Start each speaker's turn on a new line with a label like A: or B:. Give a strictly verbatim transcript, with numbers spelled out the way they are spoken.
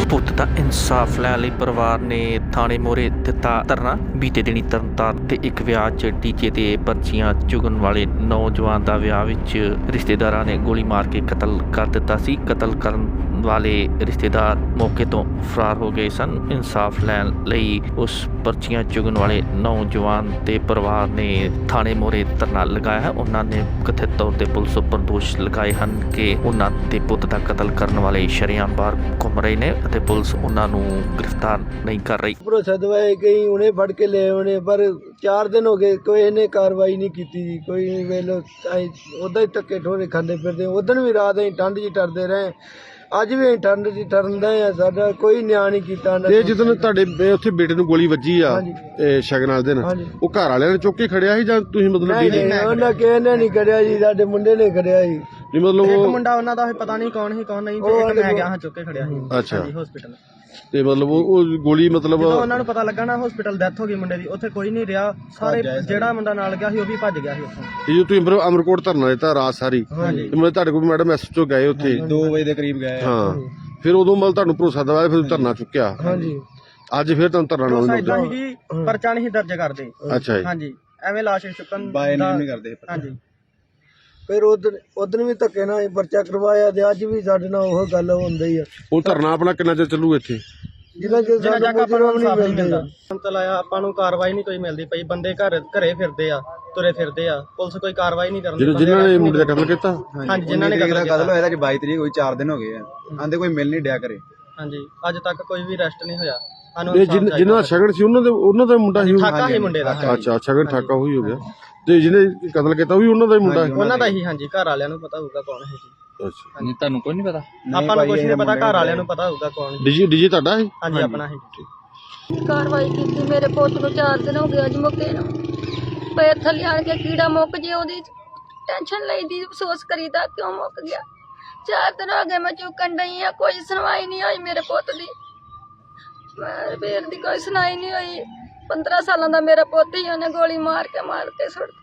A: ਪੁੱਤ ਦਾ ਇਨਸਾਫ ਲੈਣ ਲਈ ਪਰਿਵਾਰ ਨੇ ਥਾਣੇ ਮੋਹਰੇ ਦਿੱਤਾ ਧਰਨਾ। ਬੀਤੇ ਦਿਨੀ ਤਰਨਤਾਰਨ ਤੇ ਇੱਕ ਵਿਆਹ 'ਚ ਡੀਜੇ ਤੇ ਪਰਚੀਆਂ ਚੁਗਣ ਵਾਲੇ ਨੌਜਵਾਨ ਦਾ ਵਿਆਹ ਵਿੱਚ ਰਿਸ਼ਤੇਦਾਰਾਂ ਨੇ ਗੋਲੀ ਮਾਰ ਕੇ ਕਤਲ ਕਰ ਦਿੱਤਾ ਸੀ। ਕਤਲ ਕਰਨ ਵਾਲੇ ਰਿਸ਼ਤੇਦਾਰ ਮੌਕੇ ਤੋਂ ਫਰਾਰ ਹੋ ਗਏ ਸਨ। ਇਨਸਾਫ ਲੈਣ ਲਈ ਉਸ ਪਰਚੀਆਂ ਚੁਗਣ ਵਾਲੇ ਨੌਜਵਾਨ ਤੇ ਪਰਿਵਾਰ ਨੇ ਥਾਣੇ ਮੋਹਰੇ ਧਰਨਾ ਲਗਾਇਆ ਹੈ। ਉਹਨਾਂ ਨੇ ਕਥਿਤ ਤੌਰ ਤੇ ਪੁਲਿਸ ਉੱਪਰ ਦੋਸ਼ ਲਗਾਏ ਹਨ ਕਿ ਉਹਨਾਂ ਦੇ ਪੁੱਤ ਦਾ ਕਤਲ ਕਰਨ ਵਾਲੇ ਸ਼ਰੇਆਮ ਬਾਹਰ ਘੁੰਮ ਰਹੇ ਨੇ ਅਤੇ ਪੁਲਿਸ ਉਹਨਾਂ ਨੂੰ ਗ੍ਰਿਫਤਾਰ ਨਹੀਂ ਕਰ ਰਹੀ।
B: ਭਰੋਸਾ ਦਵਾਏ ਗਈ ਉਹਨੇ ਫੜ ਕੇ ਲੈ ਆਉਣੇ, ਪਰ ਚਾਰ ਦਿਨ ਹੋ ਗਏ ਕੋਈ ਇਹਨੇ ਕਾਰਵਾਈ ਨਹੀਂ ਕੀਤੀ ਜੀ। ਕੋਈ ਵੇਲੋ ਉੱਦਾਂ ਹੀ ਧੱਕੇ ਠੋਰੇ ਖਾਂਦੇ ਫਿਰਦੇ। ਉਦੋਂ ਵੀ ਰਾਤ ਅਸੀਂ ਠੰਡ 'ਚ ਟਰਦੇ ਰਹੇ, ਅੱਜ ਵੀ ਅਸੀਂ ਠੰਡ 'ਚ ਟਰਨਦੇ ਆ। ਸਾਡਾ ਕੋਈ ਨਿਆਂ ਨਹੀਂ ਕੀਤਾ।
C: ਤੇ ਜਦੋਂ ਤੁਹਾਡੇ ਉੱਥੇ ਬੇਟੇ ਨੂੰ ਗੋਲੀ ਵੱਜੀ ਆ ਤੇ ਸ਼ਗਨ ਵਾਲੇ ਦਿਨ,
B: ਹਾਂਜੀ।
C: ਉਹ ਘਰ ਵਾਲਿਆਂ ਨੇ ਚੁੱਕ ਕੇ ਖੜਿਆ ਸੀ ਜਾਂ ਤੁਸੀਂ ਮਤਲਬ
B: ਨਹੀਂ ਨਹੀਂ ਉਹਨਾਂ ਕਿਸੇ ਨੇ ਨਹੀਂ ਕਰਿਆ ਜੀ, ਸਾਡੇ ਮੁੰਡੇ ਨੇ ਕਰਿਆ ਜੀ।
C: ਨਹੀਂ ਮਤਲਬ
D: ਇੱਕ
C: ਉਹ
D: ਮੁੰਡਾ ਉਹਨਾਂ ਦਾ ਪਤਾ ਨਹੀਂ ਕੌਣ ਸੀ ਕੌਣ ਨਹੀਂ, ਤੇ ਇੱਕ ਮੈਂ ਗਿਆ ਹਾਂ ਚੁੱਕ ਕੇ ਖੜਿਆ ਸੀ
C: ਅੱਛਾ
D: ਹਸਪੀਟਲ।
C: ਤੇ ਮਤਲਬ ਉਹ ਉਹ ਗੋਲੀ ਮਤਲਬ
D: ਜਦੋਂ ਉਹਨਾਂ ਨੂੰ ਪਤਾ ਲੱਗਾ ਨਾ ਹਸਪੀਟਲ ਡੈਥ ਹੋ ਗਈ ਮੁੰਡੇ ਦੀ, ਉੱਥੇ ਕੋਈ ਨਹੀਂ ਰਿਹਾ। ਸਾਰੇ ਜਿਹੜਾ ਮੁੰਡਾ ਨਾਲ ਗਿਆ ਸੀ ਉਹ ਵੀ ਭੱਜ ਗਿਆ ਸੀ ਉੱਥੋਂ।
C: ਤੇ ਜੋ ਤੁਸੀਂ ਅਮਰ- ਅਮਰਕੋਟ ਧਰਨਾ ਦਿੱਤਾ ਰਾਤ ਸਾਰੀ,
D: ਹਾਂਜੀ।
C: ਤੇ ਮਤਲਬ ਤੁਹਾਡੇ ਕੋਲ ਮੈਡਮ ਐਸ ਚੋਂ ਗਏ ਉੱਥੇ
D: ਦੋ ਵਜੇ ਦੇ ਕਰੀਬ ਗਏ।
C: ਹਾਂ, ਫਿਰ ਉਦੋਂ ਮਤਲਬ ਤੁਹਾਨੂੰ ਭਰੋਸਾ ਦਵਾਇਆ, ਫਿਰ ਧਰਨਾ ਚੁੱਕਿਆ।
B: ਹਾਂਜੀ
C: ਅੱਜ ਫਿਰ ਤੁਹਾਨੂੰ ਧਰਨਾ ਲਾਉਣ
D: ਇਦਾਂ
C: ਨੂੰ
D: ਸੀ ਕਿ ਪਰਚਾ ਨਹੀਂ ਦਰਜ ਕਰਦੇ।
C: ਅੱਛਾ ਜੀ।
D: ਹਾਂਜੀ, ਐਵੇਂ ਲਾਸ਼ ਚੁੱਕਣ ਬਾਏ ਨਹੀਂ ਕਰਦੇ। ਹਾਂਜੀ,
B: ਫਿਰ ਉਦੋਂ ਉਦੋਂ ਵੀ ਧੱਕੇ ਨਾਲ ਅਸੀਂ ਪਰਚਾ ਕਰਵਾਇਆ ਤੇ ਅੱਜ ਵੀ ਸਾਡੇ ਨਾਲ ਉਹ ਗੱਲ ਹੁੰਦਾ ਹੀ ਆ।
C: ਉਹ ਧਰਨਾ ਆਪਣਾ ਕਿੰਨਾ ਚਿਰ ਚੱਲੂ ਇੱਥੇ?
B: ਜਿੰਨਾ ਚਿਰ
D: ਜਿੰਨਾ
B: ਸਾਨੂੰ
D: ਤੱਕ ਆਪਾਂ ਨੂੰ
B: ਮੁਜਰਮ
D: ਇਨਸਾਫ ਨਹੀਂ
B: ਨਹੀਂ
D: ਮਿਲਦਾ
B: ਮਿਲਦਾ।
D: ਚਲਾਇਆ ਆਪਾਂ ਨੂੰ ਕਾਰਵਾਈ ਨਹੀਂ ਕੋਈ ਮਿਲਦੀ ਪਈ। ਬੰਦੇ ਘਰ ਘਰੇ ਫਿਰਦੇ ਆ, ਤੁਰੇ ਫਿਰਦੇ ਆ, ਪੁਲਿਸ ਕੋਈ ਕਾਰਵਾਈ ਨਹੀਂ ਕਰਦੀ।
C: ਜਿਨ੍ਹਾਂ ਨੇ ਮੁੰਡੇ ਦਾ ਕਤਲ ਕੀਤਾ,
D: ਹਾਂਜੀ, ਜਿਨ੍ਹਾਂ ਨੇ ਕਤਲ
E: ਕਤਲ ਹੋਇਆ ਅੱਜ ਬਾਈ ਤਰੀਕ ਹੋਈ, ਚਾਰ ਦਿਨ ਹੋ ਗਏ ਆ। ਆਂਦੇ ਕੋਈ ਮਿਲ ਨਹੀਂ ਡਿਆ ਕਰੇ।
D: ਹਾਂਜੀ, ਅੱਜ ਤੱਕ ਕੋਈ ਵੀ ਅਰੈਸਟ ਨਹੀਂ ਹੋਇਆ। ਸਾਨੂੰ
C: ਤੇ ਜਿਨ੍ਹਾਂ ਦਾ ਸ਼ਗਨ ਸੀ ਉਹਨਾਂ ਦੇ ਉਹਨਾਂ ਦਾ ਮੁੰਡਾ ਸੀ।
D: ਠਾਕਾ ਸੀ ਮੁੰਡੇ ਦਾ।
C: ਅੱਛਾ, ਸ਼ਗਨ ਠਾਕਾ ਹੋਈ ਹੋ ਗਿਆ। ਤੇ ਜਿਹਨੇ ਕਤਲ ਕੀਤਾ ਉਹ ਵੀ ਉਹਨਾਂ ਦਾ ਹੀ ਮੁੰਡਾ ਹੈ?
D: ਉਹਨਾਂ ਦਾ ਹੀ। ਹਾਂਜੀ, ਘਰ ਵਾਲਿਆਂ ਨੂੰ ਪਤਾ ਹੋਊਗਾ ਕੌਣ ਹੈ ਜੀ।
C: ਅੱਛਾ,
D: ਨਹੀਂ, ਤੁਹਾਨੂੰ ਕੋਈ ਨਹੀਂ ਪਤਾ? ਆਪਾਂ ਨੂੰ ਕੁਝ ਨਹੀਂ ਪਤਾ, ਘਰ ਵਾਲਿਆਂ ਨੂੰ ਪਤਾ ਹੋਊਗਾ ਕੌਣ।
C: ਡੀਜੀ ਡੀਜੀ ਤੁਹਾਡਾ ਹੈ?
D: ਹਾਂਜੀ, ਆਪਣਾ ਹੀ।
F: ਕਾਰਵਾਈ ਕੀਤੀ। ਮੇਰੇ ਪੁੱਤ ਨੂੰ ਚਾਰ ਦਿਨ ਹੋ ਗਏ ਅੱਜ ਮੁੱਕੇ ਨੂੰ। ਪੈਰ ਥੱਲੇ ਆਣ ਕੇ ਕੀੜਾ ਮੁੱਕ ਜੇ ਉਹਦੀ ਟੈਨਸ਼ਨ ਲਈਦੀ, ਅਫਸੋਸ ਕਰੀਦਾ ਕਿਉਂ ਮੁੱਕ ਗਿਆ। ਚਾਰ ਦਿਨ ਹੋ ਗਏ ਮੈਂ ਚੁੱਕਣ ਡਈ ਆ, ਕੋਈ ਸੁਣਵਾਈ ਨਹੀਂ ਹੋਈ ਮੇਰੇ ਪੁੱਤ ਦੀ। ਮੇਰੇ ਦੀ ਕੋਈ ਸੁਣਾਈ ਨਹੀਂ ਹੋਈ। ਪੰਦਰਾਂ ਸਾਲਾਂ ਦਾ ਮੇਰਾ ਪੁੱਤ ਹੀ ਉਹਨੇ ਗੋਲੀ ਮਾਰ ਕੇ ਮਾਰ ਕੇ ਸੁੱਟ